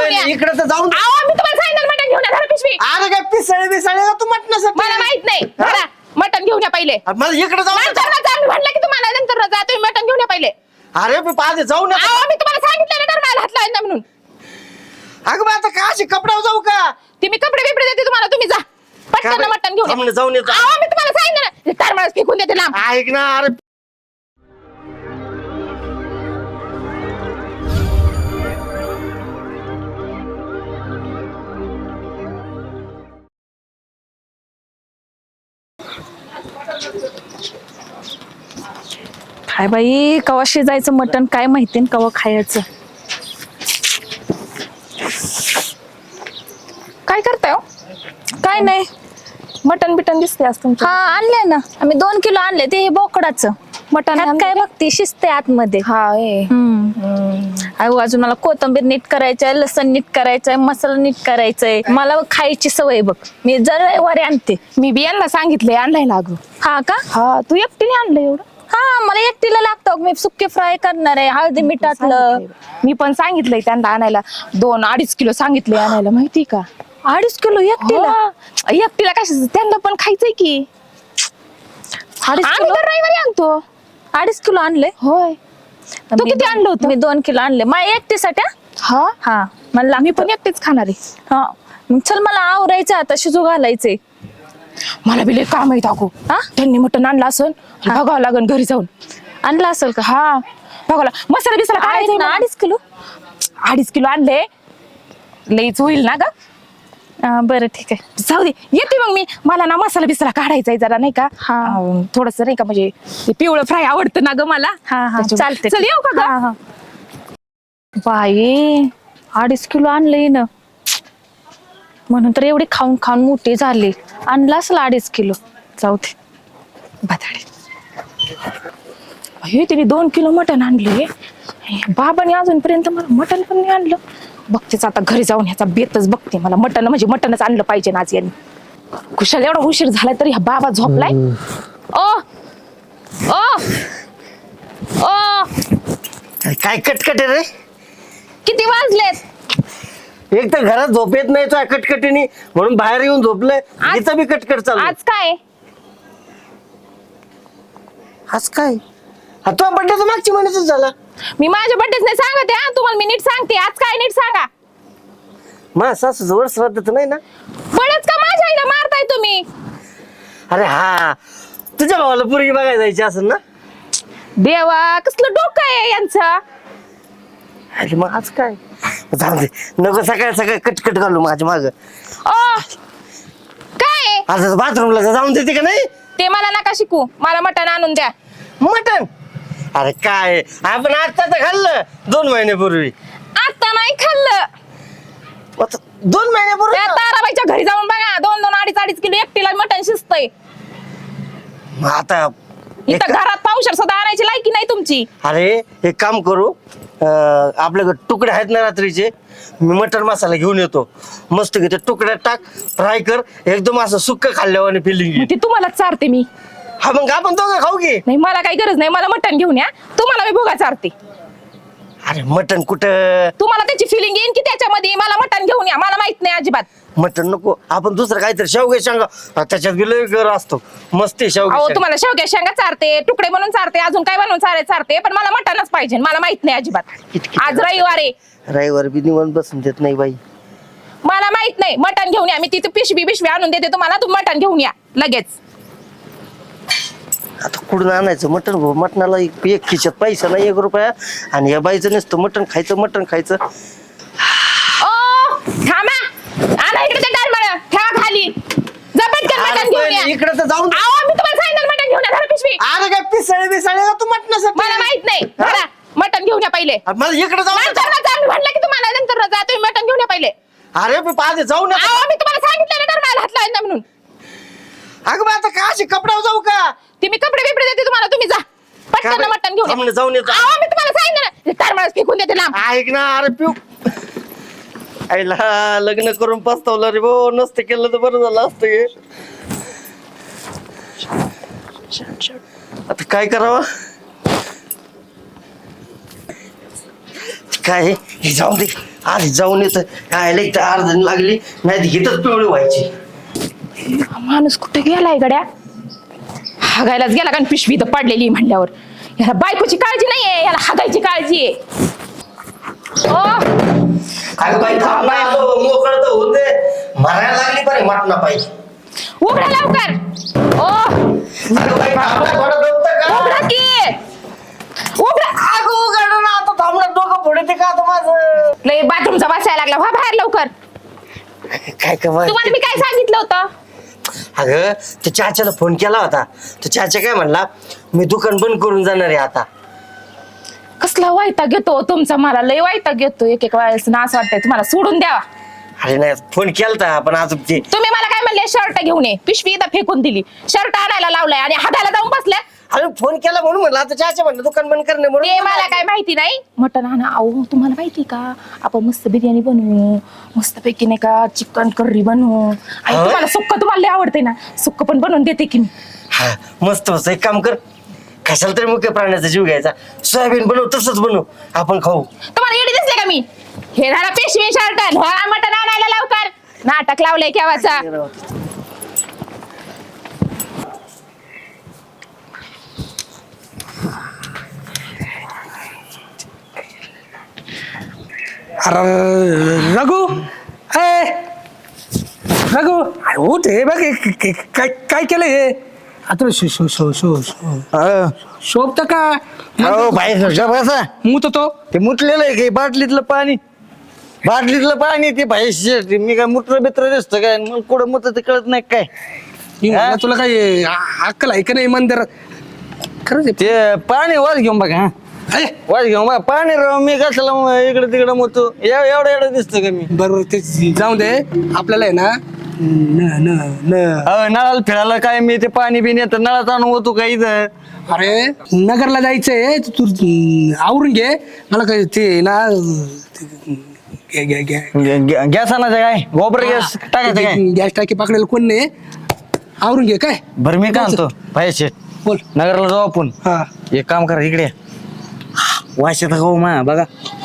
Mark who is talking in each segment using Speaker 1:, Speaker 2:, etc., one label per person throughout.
Speaker 1: या.
Speaker 2: इकडे तर जाऊन
Speaker 1: मी तुम्हाला सांगितलं मटण घेऊन या, धरा पिशवी.
Speaker 2: अरे काय पिसळे बिसळे का तू मटणासाठी
Speaker 1: मला माहित नाही, धरा मटण घेऊन या पहिले.
Speaker 2: मला इकडे जाऊन
Speaker 1: नंतर ना जा, मी म्हणलं की तुम्हाला नंतर ना जा, तुम्ही मटण घेऊन या पहिले.
Speaker 2: अरे मी पाहते जाऊ ना
Speaker 1: मी तुम्हाला सांगितलं ना मला हात लावायचा म्हणून.
Speaker 2: अगं बा आता का अशी कपड्यावर जाऊ का
Speaker 1: ती मी कपडे बिपडे देते तुम्हाला, तुम्ही जा पटकन मटण घेऊन या.
Speaker 2: जाऊन येतो
Speaker 1: मी तुम्हाला सांगितलं ना, तारमाळच फेकून देते लांब.
Speaker 2: ऐक ना अरे
Speaker 3: काय बाई, कवा शिजायचं मटण काय माहिती, कवा खायचं.
Speaker 1: काय करताय हो?
Speaker 3: काय नाही.
Speaker 1: मटण बिटन दिसते आज तुमचं.
Speaker 3: हा आणलंय ना आम्ही, 2 किलो आणले. ते हे बोकडाचं
Speaker 1: मटण
Speaker 3: त्यात काय बघते, शिजते आतमध्ये. अहो अजून मला कोथिंबीर नीट करायचंय, लसण नीट करायचंय, मसाला नीट करायचंय. मला खायची सवय बघ, मी जर रविवारी आणते.
Speaker 1: मी बियांना सांगितलंय आणलाय लागू.
Speaker 3: हा का?
Speaker 1: हा, तू एकटीने आणलं एवढं?
Speaker 3: हा, मला एकटीला लागतं. मी सुके फ्राय करणार आहे, हळदी मिठातलं.
Speaker 1: मी पण सांगितलंय त्यांना आणायला, 2-2.5 किलो सांगितलंय आणायला, माहिती का?
Speaker 3: 2.5 किलो एकटीला?
Speaker 1: एकटीला कशाचं, त्यांना पण खायचंय की.
Speaker 3: 2.5
Speaker 1: आम्ही
Speaker 3: किलो?
Speaker 1: तर रविवारी आणतो.
Speaker 3: 2.5 किलो आणले.
Speaker 1: होय. तू किती आणलं होतं?
Speaker 3: मी 2 किलो आणले माझ्या एकटीसाठी.
Speaker 1: हा,
Speaker 3: हा मला
Speaker 1: मी पण एकटीच खाणार आहे.
Speaker 3: हा मग चल, मला आवरायचं आता, शिजू घालायचंय.
Speaker 1: मला बी लय काम आहे टाकू. त्यांनी मटण आणलं असेल, बघावं लागेल घरी जाऊन.
Speaker 3: आणलं असेल का?
Speaker 1: हा, बघावं. मसाला बिसाला
Speaker 3: आहेत
Speaker 1: काय
Speaker 3: ना 2.5 किलो?
Speaker 1: 2.5 किलो आणले, लईच होईल ना ग.
Speaker 3: बरं ठीक आहे,
Speaker 1: जाऊ दे, येते मग मी. मला ना मसाला बिसाला काढायचा आहे जरा, नाही का? थोडस नाही का, म्हणजे ते पिवळं फ्राय आवडतं ना ग मला.
Speaker 3: चालते.
Speaker 1: चल येऊ का ग?
Speaker 3: बाई 2.5 किलो आणलंय ना, म्हणून तर एवढी खाऊन खाऊन मोठी झाली. आणला असेल 2.5 किलो. जाऊ दे,
Speaker 1: बटाटे. हे तिने 2 किलो मटण आणले. बाबाने अजूनपर्यंत मला मटण पण नाही आणलं. बघतेच आता घरी जाऊन ह्याचा बेतच बघते. मला मटण म्हणजे मटणच आणलं पाहिजे ना आज यांनी. कुशाल एवढा उशीर झालाय तरी हा बाबा झोपलाय. ओ ओ ओ
Speaker 2: काय कटकट आहे रे.
Speaker 1: किती वाजलेत?
Speaker 2: एक तर घरात झोप येत नाही तो कटकटीने, म्हणून बाहेर येऊन झोपलंय. इथं बी कटकट चालू.
Speaker 1: आज काय?
Speaker 2: आज काय? हा तो बड्डे तर मागची महिन्यातच झाला.
Speaker 1: मी माझ्या बड्डेच नाही सांगते. तुम्हाला मी नीट सांगते. आज काय नीट सांगा.
Speaker 2: मा सासू जवळ श्राद्ध तर नाही ना?
Speaker 1: बळच का माझ्या आईला मारताय तुम्ही?
Speaker 2: अरे हा, तुझ्या भावाला पोरगी बघायला जायची असेल ना?
Speaker 1: देवा, कसलं डोकं आहे यांचं.
Speaker 2: अरे मग आज काय? जाऊ दे, नको सकाळ सकाळ कटकट घालू माझ्या माग.
Speaker 1: काय
Speaker 2: आज बाथरूमला जाऊन देते का नाही?
Speaker 1: ते मला नका शिकू. मला मटण आणून द्या.
Speaker 2: मटण? अरे काय, आपण आता तर खाल्लं 2 महिन्यापूर्वी.
Speaker 1: आता नाही खाल्लं.
Speaker 2: 2 महिन्यापूर्वी?
Speaker 1: त्या ताराबाईच्या घरी जाऊन बघा, 2-2, 2.5 किलो एकटीला मटण शिजतंय.
Speaker 2: मग आता
Speaker 1: इथं घरात पावशेर सुद्धा आणायची लायकी नाही तुमची.
Speaker 2: अरे एक काम करू, आपल्याकडे तुकडे आहेत ना रात्रीचे, मी मटण मसाला घेऊन येतो. मस्त घेते, तुकड्यात टाक, फ्राय कर, एकदम असं सुक्क खाल्ल्यावर फिलिंग.
Speaker 1: ते तुम्हाला चारते मी.
Speaker 2: हा मग आपण दोघं खाऊ की.
Speaker 1: नाही, मला काही गरज नाही. मला मटण घेऊन या. तुम्हाला मी भोगा चारते.
Speaker 2: अरे मटण कुठं?
Speaker 1: तुम्हाला त्याची फिलिंग येईन की त्याच्यामध्ये. मला मटण घेऊन या. मला माहित नाही अजिबात.
Speaker 2: मटण नको, आपण दुसरं काहीतरी शेवगे शेंगा, त्याच्यात गेलो गर असतो मस्त शेवगे.
Speaker 1: तुम्हाला शेवग्या शेंगा चारते, तुकडे बनवून चारते, अजून काय बनवून चारते, पण मला मटणच पाहिजे. मला माहित नाही अजिबात. आज रविवार आहे.
Speaker 2: रविवार बी निवांत बसून देत नाही बाई.
Speaker 1: मला माहित नाही. मटण घेऊन या. मी तिथे पिशवी आणून देते तुम्हाला. तुम्ही मटण घेऊन या लगेच.
Speaker 2: आता कुठून आणायचं मटण? मटणाला एक खिशात पैसा नाही 1 रुपया, आणि या बाईचं नसतं मटण खायचं.
Speaker 1: थांबा, आणा इकडे ते टाळमळ. ठेवा खाली. जा पटकन मटण घेऊन या.
Speaker 2: इकडे तर जाऊन.
Speaker 1: मी तुम्हाला सांगितलं मटण घेऊन या. धरा पिशवी.
Speaker 2: अरे काय पिसळे बिसळे का तू मटणासाठी?
Speaker 1: मला माहित नाही. धरा मटण घेऊन या पहिले.
Speaker 2: मला इकडे जाऊन.
Speaker 1: नंतर ना जा. मी म्हणलं की तुम्हाला नंतर ना जा. तुम्ही मटण घेऊन या पहिले.
Speaker 2: अरे मी पाहते जाऊ ना.
Speaker 1: मी तुम्हाला सांगितलं ना मला हात लावायचा म्हणून.
Speaker 2: अगं बा आता का अशी कपड्यावर जाऊ का?
Speaker 1: ती मी कपडे बिपडे देते तुम्हाला. तुम्ही जा पटकन मटण घेऊन या.
Speaker 2: जाऊन येतो.
Speaker 1: मी तुम्हाला सांगितलं ना, तारमाळच फेकून देते लांब.
Speaker 2: ऐक ना, अरे पिऊ आईला लग्न करून पस्तावलं रे भाऊ. नसतं केलं तर बरं झालं असतं हे. आता काय करावं? काय हे जाऊ दे, आधी जाऊन येतं यायला इथं अर्धन लागली नाही तर इथंच पिवळी व्हायची.
Speaker 1: माणूस कुठे गेलाय गड्या? हागायलाच गेला कारण पिशवी इथं पडलेली म्हणल्यावर. याला बायकोची काळजी नाहीये, याला हागायची काळजी आहे. ओ
Speaker 2: अगं बाई थांब ना, मोकळं तर होऊन दे. मारायला लागली पाहिजे मटणा पाहिजे.
Speaker 1: उघडा लवकर. ओ
Speaker 2: अगं बाई थांब ना, थोडं दमतं का?
Speaker 1: उघडा की. उघडा.
Speaker 2: अगं उघड ना, आता थांबणार डोकं फोडते का आता माझं?
Speaker 1: लय बाथरूमचा वास यायला लागला. व्हा बाहेर लवकर.
Speaker 2: काय कमाल.
Speaker 1: तुम्हाला मी काय सांगितलं होतं?
Speaker 2: अगं त्या चाच्याला फोन केला होता. तर चाचा काय म्हणला, मी दुकान बंद करून जाणार आहे आता.
Speaker 1: कसला वैताग घेतो तुमचा, मला लय वैताग घेतो एक एक वेळेस ना. असं वाटतंय तुम्हाला सोडून द्यावा.
Speaker 2: अरे नाही फोन केलता पण अजून ते
Speaker 1: तुम्ही मला काय म्हणले, शर्ट घेऊन ये. पिशवी इथं फेकून दिली. शर्ट आणायला लावलाय आणि हाताला जाऊन बसल्या.
Speaker 2: अरे फोन केला म्हणून म्हणलं आता चाचा म्हणलं दुकान बंद करणे म्हणून.
Speaker 1: ते मला काय माहिती नाही. मटण आणा. अहो तुम्हाला माहिती का, आपण मस्त बिर्याणी बनवू, मस्त पैकी नाही का चिकन करी बनवू. आणि
Speaker 2: होय?
Speaker 1: तुम्हाला सुक्क तुम्हाला लय आवडते ना, सुक्क पण बनवून देते की मी.
Speaker 2: हा मस्त मस्त एक काम कर, कशाला तरी मुख्य प्राण्याचा जीव घ्यायचा. सोयाबीन बनव तसंच बनव, आपण खाऊ.
Speaker 1: तुम्हाला येडी दिसले का मी? हे झाला पेशवी शर्ट, मटण आणायला लवकर. नाटक लावलंय केव्हाचा.
Speaker 4: अरे रघु, ए रघु, अरे उठ. हे बघ काय काय केलं हे आता? शोभत का?
Speaker 2: हो भाई बसा.
Speaker 4: मुत तो
Speaker 2: ते मुतलेलं आहे की बाटलीतलं पाणी, बाटलीतलं पाणी ते भाई मी काय मुत्र बित्र दिसतं काय? मग कुठं मुत ते कळत नाही काय?
Speaker 4: मी म्हणलं तुला काय अक्कल आहे का नाही मंदिर? खरंच आहे.
Speaker 5: ते पाणी वाज घेऊन बघा. हा
Speaker 4: अरे
Speaker 5: वाज घेऊन बघा पाणी राव. मी कसला इकडे तिकडे मोतो एवढं एवढं दिसतं का मी?
Speaker 4: बरोबर ते जाऊ दे. आपल्याला आहे ना
Speaker 5: नळाला फिरायला काय मी ते पाणी बिन येतं नळात आणून होतो का इथं?
Speaker 4: अरे नगरला जायचंय तू आवरून घे. मला काय ते ना
Speaker 5: गॅस आणायचं काय? गोबर गॅस टाकायचं काय?
Speaker 4: गॅस टाकी पकडायला कोण नाही. आवरून घे काय.
Speaker 5: बरं मी काय आणतो पाहिजे
Speaker 4: बोल.
Speaker 5: नगरला जाऊ आपण.
Speaker 4: हा
Speaker 5: एक काम करा इकडे वाश येतं हो मा बघा.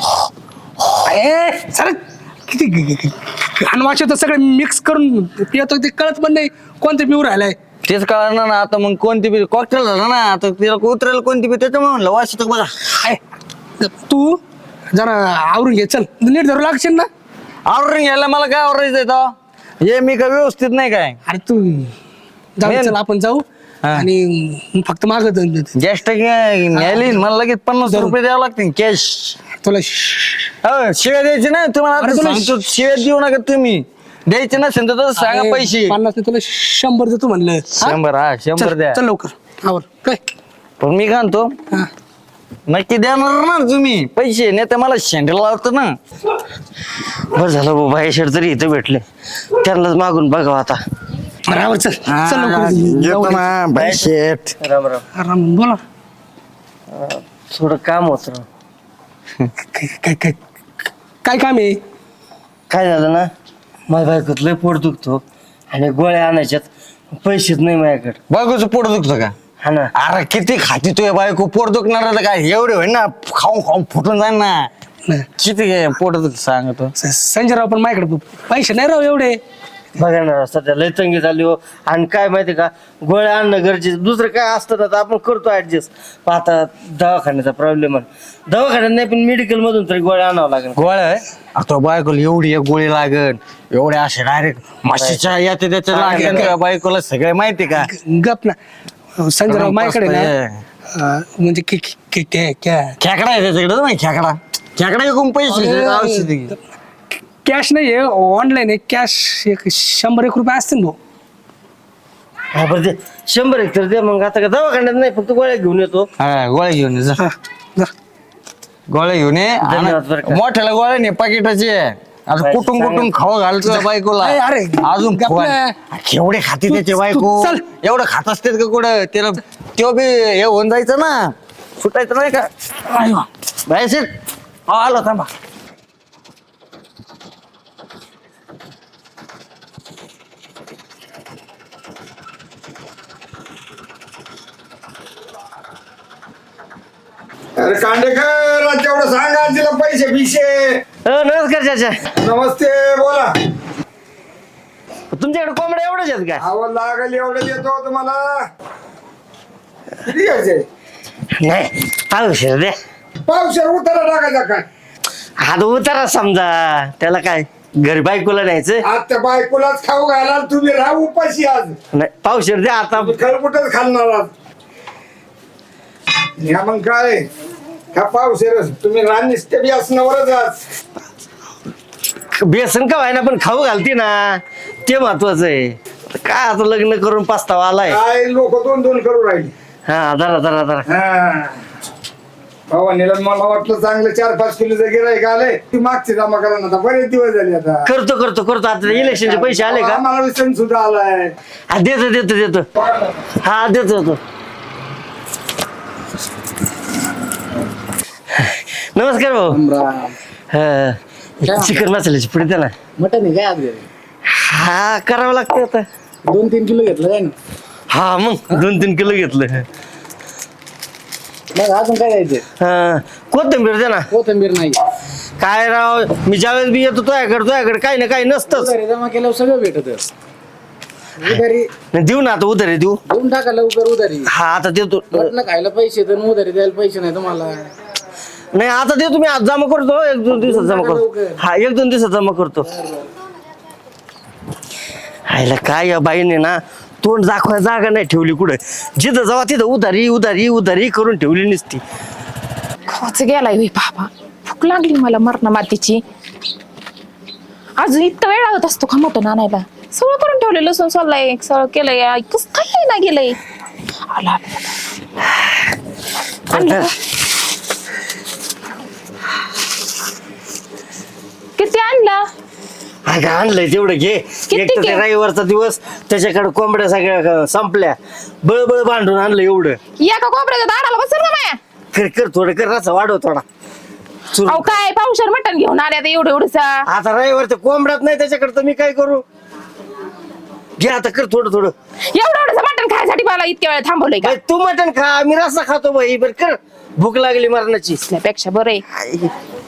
Speaker 4: सर किती घाणवाच तर सगळं मिक्स करून पितो ते कळत पण नाही कोणतं पिऊ राहिलाय.
Speaker 5: तेच कळणार ना आता. मग कोणती बी कॉकटेल झालं ना आता तिला उतरेल कोणती बी त्याच्यामुळे म्हणलं वाश येतं बघा.
Speaker 4: हाय. तू जरा आवरून घे. चल नीट धरू लागशील ना.
Speaker 5: आवरून घ्यायला मला काय आवरायचं आहे हे मी काय व्यवस्थित नाही काय?
Speaker 4: अरे तू जाऊ
Speaker 5: मेन.
Speaker 4: चल आपण जाऊ.
Speaker 5: हा.
Speaker 4: आणि फक्त माग
Speaker 5: गॅस टाकी न्यायली मला लगेच 50 रुपये द्यावं लागतील कॅश.
Speaker 4: तुला
Speaker 5: शिव्या द्यायची ना तुम्हाला
Speaker 4: अरे
Speaker 5: आता
Speaker 4: तुला
Speaker 5: सांगतो. शिव्या देऊ नका तुम्ही. द्यायचे नसेल तर तसं सांगा पैसे.
Speaker 4: 50 नाही तुला 100 देतो म्हणलं. हा?
Speaker 5: 100 हा 100
Speaker 4: चल
Speaker 5: द्या.
Speaker 4: चल लवकर आवर काय.
Speaker 5: पण मी काय म्हणतो
Speaker 4: हा.
Speaker 5: नक्की देणार ना तुम्ही पैसे? नाही तर मला शेंडला लावतं ना.
Speaker 2: बरं झालं बाबा हे शेड तरी इथं भेटले, त्यांनाच मागून बघावं आता.
Speaker 4: बरं आवर चल चल लवकर
Speaker 5: येतो ना बाय शेठ.
Speaker 2: राम राम.
Speaker 4: आराम बोला.
Speaker 2: थोडं काम होतं राव.
Speaker 4: काय काय काय काय काम आहे?
Speaker 2: काय झालं ना, माझ्या बायकोत लय पोट दुखतो आणि गोळ्या आणायच्यात पैसेच नाही माझ्याकडे.
Speaker 5: बायकोचं पोट दुखतं का?
Speaker 2: हा ना.
Speaker 5: अरे किती खाती तुझ्या बायको पोट दुखणार काय? एवढे होईल ना खाऊन खाऊन फुटून जाईल ना.
Speaker 4: नाही.
Speaker 5: किती काय पोट दुख सांगतो.
Speaker 4: संजयराव पण माझ्याकडे पैसे नाही राव एवढे.
Speaker 2: बघा ना राव, सध्या लय तंगी झाली हो. आणि काय माहिती का, गोळ्या आणणं गरजेचं. दुसरं काय असतं ना तर आपण करतो ऍडजस्ट. आता दवाखान्याचा प्रॉब्लेम आहे. दवाखान्यात नाही पण मेडिकल मधून तरी गोळ्या आणावं लागेल.
Speaker 5: गोळ्या आहे? आता बायकोला एवढी एक गोळी लागल एवढे असे डायरेक्ट म्हशीच्या याच्या त्याच्या लागेल का बायकोला सगळे माहिती का?
Speaker 4: गप ना संजयराव माझ्याकडे ना म्हणजे
Speaker 5: खेकडा आहे त्याच्याकडे नाही खेकडा. खेकडा एकूण पैसे औषध
Speaker 4: कॅश नाही आहे ऑनलाईन आहे. कॅश 100-1 रुपये असतील भाऊ.
Speaker 2: हा बरं ते 100 तर दे मग. आता का दवाखान्यात नाही, फक्त गोळ्या घेऊन येतो.
Speaker 5: हा गोळ्या घेऊन ये जा.
Speaker 4: हा, जा.
Speaker 5: गोळ्या घेऊन ये.
Speaker 2: धन्यवाद बरं का.
Speaker 5: मोठ्याला गोळ्या नाही पाकिटाची आहे. आता
Speaker 2: बाई,
Speaker 5: कुठून कुठून खाऊ घालतो बायकोला.
Speaker 4: अरे,
Speaker 5: अजून
Speaker 4: गप ना.
Speaker 5: केवढे खाते त्याचे
Speaker 4: तू
Speaker 5: बायको.
Speaker 4: चल.
Speaker 5: एवढं खात असतात का कुठं? त्याला तो बी हे होऊन जायचं ना, सुटायचं नाही का? बाय सीट आलो थांबा.
Speaker 6: अरे कांडेकर तेवढं सांगा तिला पैसे बिशे
Speaker 2: नमस्कार चाचा.
Speaker 6: नमस्ते बोला.
Speaker 2: तुमच्याकडे कोंबड्या एवढ्याच आहेत का?
Speaker 6: आवड लागेल एवढं देतो तुम्हाला. किती घ्यायचे?
Speaker 2: नाही पावशेर द्या.
Speaker 6: पावशेर उतारा टाकायचा काय?
Speaker 2: आता उतारा समजा त्याला काय घरी बायकोला न्यायचं.
Speaker 6: आता बायकोलाच खाऊ घाला तुम्ही राहा उपाशी आज.
Speaker 2: नाही पावशेर द्या आता.
Speaker 6: खरपुटच खालणार आज. ह्या मग काय ह्या पावशेर तुम्ही रानिस्ते बी असणारच आज.
Speaker 2: बेसन का व्हायना पण खाऊ घालते ना ते महत्वाचं आहे. काय आता लग्न करून पस्तावा आलाय.
Speaker 6: काय लोक दोन दोन करू राहिले.
Speaker 2: हा धरा धरा धरा.
Speaker 6: हा भावानीला मला वाटलं चांगलं 4-5 किलोचं गिराईक आले ती मागची जमा करा ना. आता बरेच दिवस झाले आता.
Speaker 2: करतो करतो करतो. आता इलेक्शनचे पैसे आले का?
Speaker 6: आम्हाला सण सुद्धा आलाय.
Speaker 2: हा देतो देतो देतो. हा देतो देतो. नमस्कार भाऊ. हा चिकन मसाल्याची पुढे द्या ना.
Speaker 7: मटन आहे काय आज घरी?
Speaker 2: हा करावं लागतं आता.
Speaker 7: 2-3 किलो घेतलं काय ना?
Speaker 2: हा मग 2-3 किलो घेतलं.
Speaker 7: मग अजून काय द्यायचं?
Speaker 2: हा कोथिंबीर द्या ना.
Speaker 7: कोथिंबीर नाही.
Speaker 2: काय राव मी ज्यावेळेस बी येतो तुझ्याकडे काही ना काही नसतंच.
Speaker 7: उधारी जमा केल्यावर सगळं भेटत. उधारी
Speaker 2: देऊ ना आता उधारी देऊ.
Speaker 7: देऊन टाका लवकर उधारी.
Speaker 2: हा आता देतो.
Speaker 7: मटण खायला पैसे तर उधारी द्यायला पैसे नाही तुम्हाला.
Speaker 2: नाही आता देतो मी आज जमा करतो. 1-2 दिवसात जमा करतो. हा 1-2 दिवसात जमा करतो. आईला काय या बाईने ना तोंड दाखवायला जागा नाही ठेवली कुठं. जिथं जावा तिथं उधारी उधारी उधारी करून ठेवली नसती.
Speaker 1: खच गेलाय होय बाबा. भूक लागली मला मरणा मातीची. अजून इतका वेळ लागत असतो का मटण आणायला? सगळं करून ठेवलं. लसूण सोललाय सगळं केलंय. कस काही ना गेलंय. आला आणलं का? किती आणला?
Speaker 2: अगं आणलंय तेवढं घे. एक तर ते रविवारचा दिवस त्याच्याकडे कोंबड्या सगळ्या संपल्या. बळबळ भांडून आणलं एवढं.
Speaker 1: एका कोपऱ्याच्या दाराला बसेल का माया?
Speaker 2: कर कर थोडं कर रसा वाढव थोडा.
Speaker 1: अहो काय पावशेर मटण घेऊन आले आता एवढं एवढंचा.
Speaker 2: आता रविवारच्या कोंबड्यात नाही त्याच्याकडे तर मी काय करू. घे आता कर थोडं थोडं.
Speaker 1: एवढं एवढंच मटण खायसाठी मला इतक्या वेळ थांबवलंय का?
Speaker 2: बाई, तू मटण खा मी रस्सा खातो बाई. बरं कर भूक लागली मरणाची.
Speaker 1: त्यापेक्षा बरं आहे.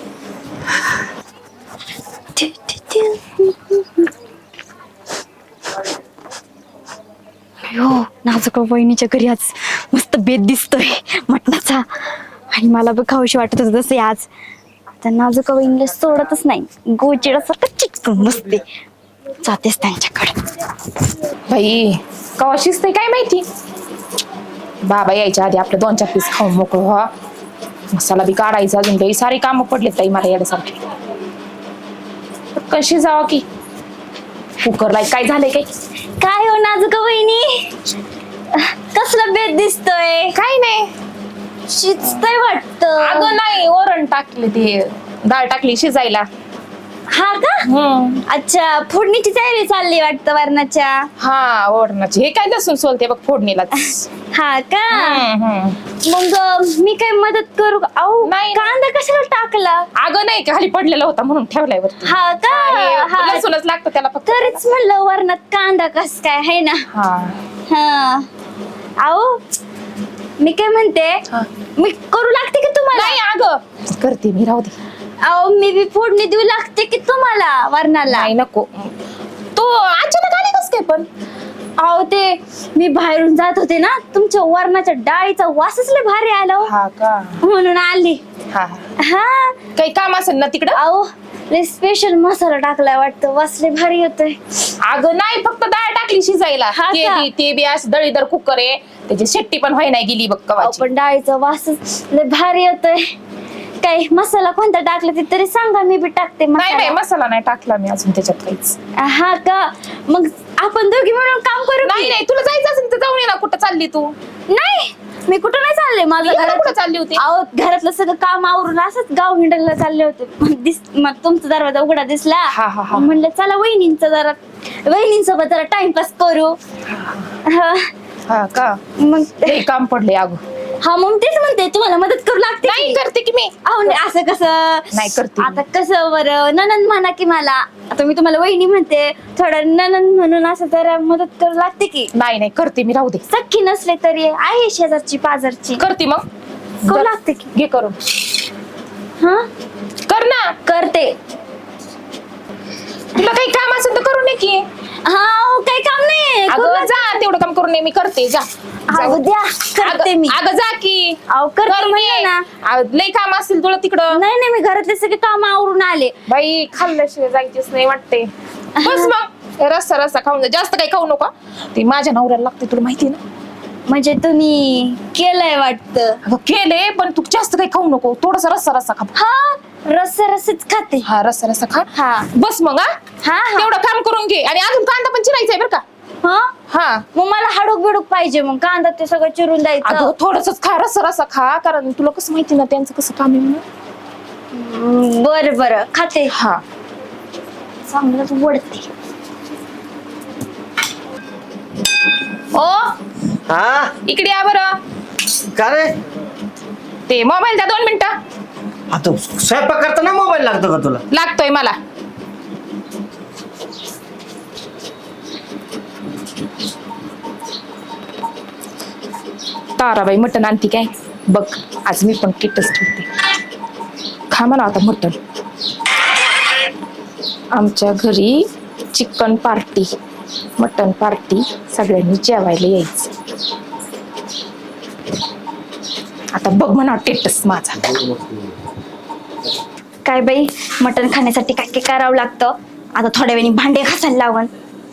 Speaker 3: हो नाजुक वहिनीच्या घरी आज मस्त बेत दिसतोय मटणाचा. आणि मला बी खाऊशी वाटत होतं तसे आज. आता नाजुक वहिनीला सोडतच नाही. गोचिडासारखं चिटकून बसते. जातेच त्यांच्याकडे.
Speaker 1: बाई कवा शिजतंय काय माहिती. बाबा यायच्या आधी आपलं 2-4 पीस खाऊन मोकळं व्हा. मसाला बी काढायचा. अजून काही सारी कामं पडलेत ताई मला येण्यासारखी. कशी जावा की कुकरला काय झालंय काय?
Speaker 3: काय हो नाजुक वहिनी कसला बेत दिसतोय?
Speaker 1: काय नाही.
Speaker 3: शिजतंय वाटतं.
Speaker 1: अगं नाही वरण टाकले ते डाळ टाकली शिजायला.
Speaker 3: हा का? अच्छा फोडणीची तयारी चालली वाटतं वरणाच्या.
Speaker 1: हा वरणाची. हे काय लसूण सोलते बघ फोडणीला.
Speaker 3: हा का? मग मी काय मदत करू का? अहो
Speaker 1: नाही.
Speaker 3: कांदा कशाला टाकला?
Speaker 1: अगं नाही खाली पडलेला होता म्हणून ठेवलाय वरती.
Speaker 3: हा का? हा
Speaker 1: लसूणच लागतं त्याला फक्त.
Speaker 3: तरीच म्हणलं वरणात कांदा कस काय आहे ना.
Speaker 1: हा
Speaker 3: हा अहो मी काय म्हणते मी करू लागते की तुम्हाला?
Speaker 1: नाही अगं करते मी राहू दे.
Speaker 3: अहो मी बी फोडणी देऊ लागते की तुम्हाला वरणाला?
Speaker 1: नाही नको. तू अचानक आली कस काय पण?
Speaker 3: अहो ते मी बाहेरून जात होते ना तुमच्या वरणाच्या डाळीचा वासच लय भारी आला हो.
Speaker 1: हा का?
Speaker 3: म्हणून आली.
Speaker 1: हा
Speaker 3: हा
Speaker 1: काही काम असेल ना तिकडं?
Speaker 3: अहो लय स्पेशल मसाला टाकलाय वाटतं. वास लय भारी येतोय.
Speaker 1: अगं नाही फक्त डाळ टाकली शिजायला.
Speaker 3: हा
Speaker 1: ते
Speaker 3: का?
Speaker 1: ते बी असं दळीदार कुकर आहे. त्याची शेट्टी पण व्हाय नाही गेली बघ
Speaker 3: अहो
Speaker 1: कवाची.
Speaker 3: पण डाळीचा वासच लय भारी येतोय. काय मसाला कोणता टाकला ते तरी सांगा मी बी टाकते
Speaker 1: नाही नाही
Speaker 3: मसाला.
Speaker 1: मसाला नाही टाकला मी अजून त्याच्यात काहीच.
Speaker 3: हा का? मग आपण दोघी मिळून काम करू
Speaker 1: नाही
Speaker 3: की?
Speaker 1: नाही तुला जायचं असेल तर जाऊन ये ना. कुठं चालली तू?
Speaker 3: नाही मी कुठं नाही चालले. माझं
Speaker 1: इकडं
Speaker 3: घरात
Speaker 1: कुठं चालली होती?
Speaker 3: अहो घरातलं सगळं काम आवरून असंच गाव हिंडायला चालले होते. मग तुमचा दरवाजा उघडा दिसला.
Speaker 1: हा, हा, हा.
Speaker 3: मग म्हणलं चला वहिनींसोबत जरा टाइमपास करू. हा.
Speaker 1: हा का?
Speaker 3: मग
Speaker 1: लई काम पडले अगं.
Speaker 3: हा मग तेच म्हणते तुम्हाला मदत करू लागते
Speaker 1: नाही
Speaker 3: की?
Speaker 1: करते की मी.
Speaker 3: अहो नाही, असं कसं
Speaker 1: नाही करते.
Speaker 3: आता कसं बरं ननंद म्हणा की मला. आता मी तुम्हाला वहिनी म्हणते थोडं ननंद म्हणून असं जरा मदत करू लागते की.
Speaker 1: नाही नाही करते मी राहू दे.
Speaker 3: सख्खी नसले तरी आहे शेजारची पाजारची.
Speaker 1: करते मग.
Speaker 3: करू लागते की.
Speaker 1: घे करून.
Speaker 3: हा
Speaker 1: कर ना.
Speaker 3: करते.
Speaker 1: तुला काही काम असेल तर करू नये की.
Speaker 3: हा हो, काही काम नाही
Speaker 1: अगं जा, तेवढं काम करू नये, मी करते, जा.
Speaker 3: हा, उद्या करते मी.
Speaker 1: अगं जा की.
Speaker 3: अहो, करते
Speaker 1: करून
Speaker 3: म्हणलं
Speaker 1: ये.
Speaker 3: ना.
Speaker 1: लई काम असतील तुला तिकडं.
Speaker 3: नाही नाही, मी घरातले सगळे काम आवरून आले.
Speaker 1: बाई खाल्ल्याशिवाय जायचीच नाही वाटते. बस मग रस्सा रस्सा खाऊन जा, जास्त काही खाऊ नका. ते माझ्या नवऱ्याला लागते, तुला माहिती ना.
Speaker 3: म्हणजे तुम्ही केलंय वाटतं.
Speaker 1: अगं केले, पण तू जास्त काही खाऊ नको, थोडासा रस्सा रस्सा खा.
Speaker 3: हा, रस्साच खाते.
Speaker 1: हा रस्सा रस्सा खा.
Speaker 3: हा.
Speaker 1: बस मग हा
Speaker 3: हा हा.
Speaker 1: तेवढं काम करून घे. आणि अजून कांदा पण चिरायचा आहे बरं का.
Speaker 3: हा
Speaker 1: हा
Speaker 3: मग मला हाडूक बिडूक पाहिजे, मग कांदा ते सगळं चिरून द्यायचं.
Speaker 1: अगं थोडंसच खा, रस्सा रस्सा खा, कारण तुला कसं माहिती ना त्यांचं कसं काम आहे म्हणून.
Speaker 3: बरं बरं खाते.
Speaker 1: हा
Speaker 3: चांगलंच वडते.
Speaker 1: ओ
Speaker 2: हा
Speaker 1: इकडे या बरं.
Speaker 2: का रे
Speaker 1: ते मोबाईल द्या 2 मिनिटं.
Speaker 2: आता स्वयंपाक करताना मोबाईल लागतो का तुला?
Speaker 1: लागतोय मला. ताराबाई मटण आणती काय बघ, आज मी पण किटच ठेवते. खा म्हणा आता मटण. आमच्या घरी चिकन पार्टी, मटण पार्टी, सगळ्यांनी जेवायला यायचं. आता बघ म्हणा टेटस माझा.
Speaker 3: काय बाई, मटण खाण्यासाठी काय काय करावं लागतं. आता थोड्या वेळाने भांडे घासायला लावण.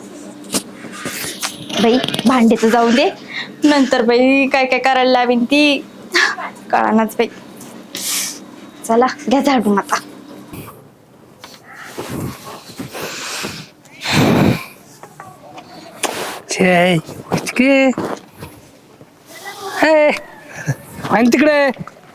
Speaker 3: बाई भांडे तर जाऊ दे, नंतर बाई काय काय करायला लावीन ती कळानाच बाई. चला घ्या झाडून आता.
Speaker 4: छे इतके हे आणि तिकडे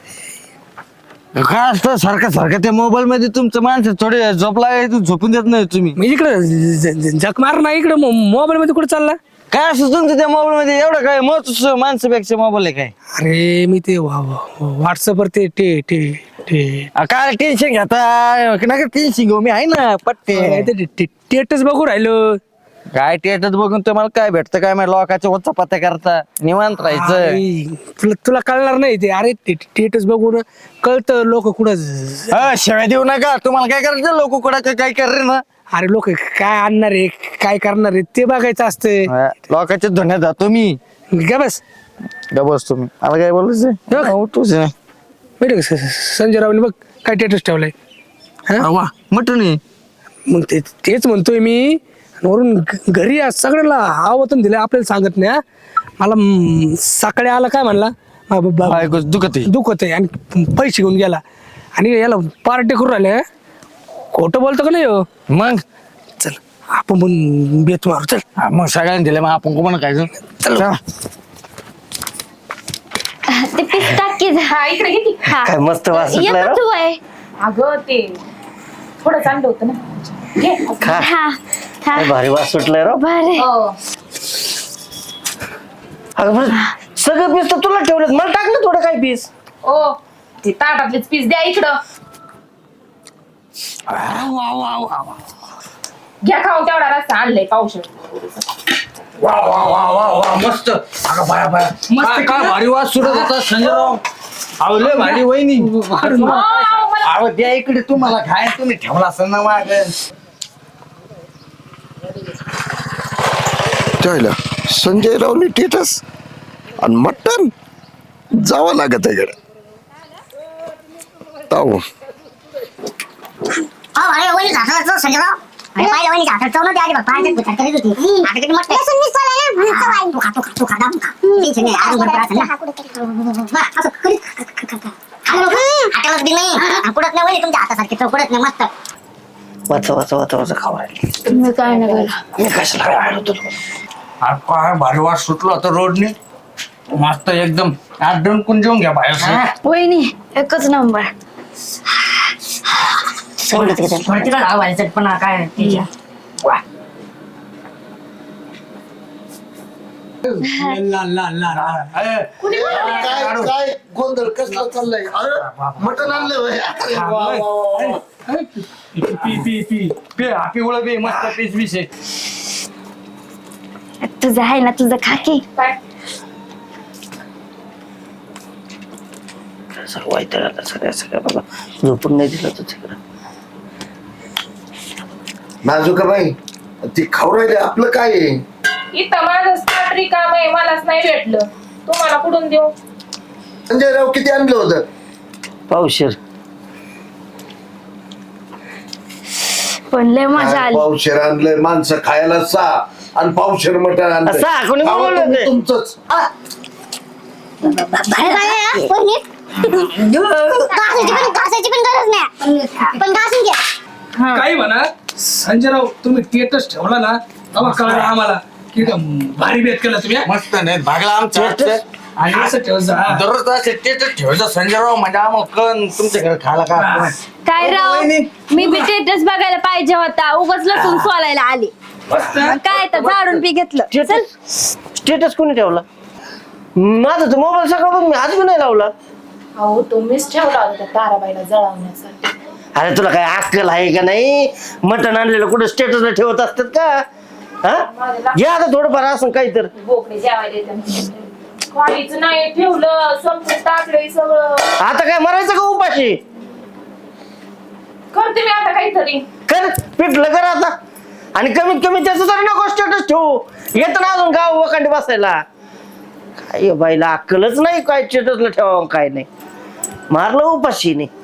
Speaker 5: काय असतं सारखं सारखं त्या मोबाईल मध्ये तुमचं माणसं थोडे झोपला झोपून देत नाही तुम्ही.
Speaker 4: मी इकडे झक मार ना, इकडे मोबाईल मध्ये कुठे चालला?
Speaker 5: काय असं तुमचं त्या मोबाईल मध्ये एवढं काय महत्व माणसापेक्षा मोबाईल आहे काय?
Speaker 4: अरे मी ते व्हॉट्सअपवर ते टे टे टे
Speaker 5: काय टेन्शन घेता नका टेन्शन घेऊ, मी आहे ना पट्टे.
Speaker 4: टेटच बघू राहिलो.
Speaker 5: काय टेटच बघून तुम्हाला काय भेटतं काय माहिती, लोकांच्या वच्चा पत्ता करता निवांत राहायचं.
Speaker 4: अरे, तुला कळणार नाही ते. अरे टेटच बघून कळतं लोक कुठं
Speaker 5: शिवाय देऊ नका, तुम्हाला काय करायचं लोक कुठं काय कर ना.
Speaker 4: अरे लोक काय आणणार आहे काय करणार आहे ते बघायचं असतंय.
Speaker 5: लोकांच्या धन्यात जातो मी.
Speaker 4: का बस
Speaker 5: बस तुम्ही मला काय बोलायचं उठूच नाही.
Speaker 4: माहिती का संजय रावने बघ काय टेटस ठेवलाय.
Speaker 5: वा मटण आहे.
Speaker 4: मग तेच म्हणतोय मी. वरून घरी सगळ्याला आवतून दिलं, आपल्याला सांगत नाही. हा? मला सकाळी आला काय म्हणला,
Speaker 5: दुखत आहे.
Speaker 4: दुखत आहे आणि पैसे घेऊन गेला. आणि याला पार्टी करून राहिले. खोटं बोलतो का नाही हो?
Speaker 5: मग
Speaker 4: चल आपण पण बेत मारू. चल
Speaker 5: मग सगळ्यांनी दिले मग आपण कोण काय चल.
Speaker 3: ते पीस टाकी.
Speaker 1: हा इकडे घे की.
Speaker 3: हा
Speaker 2: काय मस्त वास सुटलाय
Speaker 3: येतो
Speaker 2: राव.
Speaker 3: तू आहे.
Speaker 1: अगं ते थोडं चांगलं होतं ना. घे.
Speaker 2: खा.
Speaker 3: हा हा
Speaker 2: काय भारी वास सुटलाय राव.
Speaker 3: बरे.
Speaker 1: हो.
Speaker 2: अगं पण सगळं पीस तर तुला ठेवलं, मला टाकलं थोडं काय पीस.
Speaker 1: ओ ते ताटातलेच पीस द्या इकडं. घ्या खाऊन, तेवढा रस्ता आणलाय पावशेर.
Speaker 5: वा वा वा वा वा मस्त. अगं बाया बाया
Speaker 1: मस्त
Speaker 5: काय भारी वास सुरत होता संजयराव. अहो लय भारी वहिनी. अहो द्या इकडे तुम्हाला खाय, तुम्ही ठेवला असेल ना माग.
Speaker 8: त्याला संजय रावने टेटस आणि मटण जावं लागत आहे गड्या. ताऊ
Speaker 2: वाचा वाचा वाचा वाचा खावा.
Speaker 3: मी काय नाही केलं.
Speaker 2: मी कशाला काय आलो तुला.
Speaker 5: अरे काय भारी वास सुटला होता रोडने. मस्त एकदम आठ डंकून जेवून घ्या बाहेर.
Speaker 3: वहिनी एकच नंबर.
Speaker 8: काय गोंधळ कसला चाललाय? अरे मटण आणलं होय. अरे वा, वा, वा.
Speaker 5: मस्त पीस बीस आहे.
Speaker 3: तुझं आहे ना, तुझं खाकी.
Speaker 2: सगळं वाईट आता सगळ्या बाबा झोपून नाही दिलं तुझ्याकडं.
Speaker 8: नाजूक बाई ती खाऊ राहिले आपलं काय आहे?
Speaker 1: इथं माझं स्टार्टरी काम आहे, मलाच नाही भेटलं, तुम्हाला कुठून देऊ?
Speaker 8: संजयराव किती आणलं होतं?
Speaker 2: पावशेर.
Speaker 3: पण लय मजा आली.
Speaker 8: पावशेर आणलंय माणसं खायला 6 आणि पावशेर मटण आणलंय.
Speaker 2: 6 कोणी
Speaker 8: खावं
Speaker 2: बोलवलं
Speaker 8: तुम्ही
Speaker 2: ते?
Speaker 8: तुमचंच.
Speaker 3: बाहेर काय आहे, वहिनी? घासायची पण गरज नाही, पण घासून घ्या.
Speaker 4: काही म्हणा संजयराव तुम्ही स्टेटस ठेवला ना तेव्हा कळलं आम्हाला की भारी बेत केला तुम्ही हा?
Speaker 5: मस्त नाही भागला आमचा
Speaker 2: Status?
Speaker 4: आणि असं ठेव जा.
Speaker 5: दररोज असे स्टेटस ठेवायचं संजयराव म्हणजे आम्हाला कळण तुमच्या घरी खायला काय
Speaker 3: काय राव, मी बी टेटस बघायला पाहिजे होता, उगाच लसूण सोलायला आली. मग काय तर झाडून पी घेतलं. चल.
Speaker 2: स्टेटस कोणी ठेवला? माझा तर मोबाईल सकाळपासून मी आज पण नाही लावला.
Speaker 1: अहो तुम्हीच ठेवला होता त्या ताराबाईला जळवण्यासाठी.
Speaker 2: अरे तुला काय अक्कल आहे का नाही? मटण आणलेलं कुठं स्टेटसला ठेवत असतात का? हा घ्या आता थोडंफार असं काहीतरी.
Speaker 1: बोकडे जेवायला येतात. काहीच नाही ठेवलं, संपून टाकलंय सगळं.
Speaker 2: आता काय मरायचं का उपाशी?
Speaker 1: करते मी आता काहीतरी.
Speaker 2: कर पिटलं कर आता. आणि कमीत कमी त्याचं तरी नको स्टेटस ठेवू. येत ना अजून गाव वकांडी बसायला. काय बाईला अक्कलच नाही काय स्टेटसला ठेवा काय नाही. मारलं उपाशी नाही.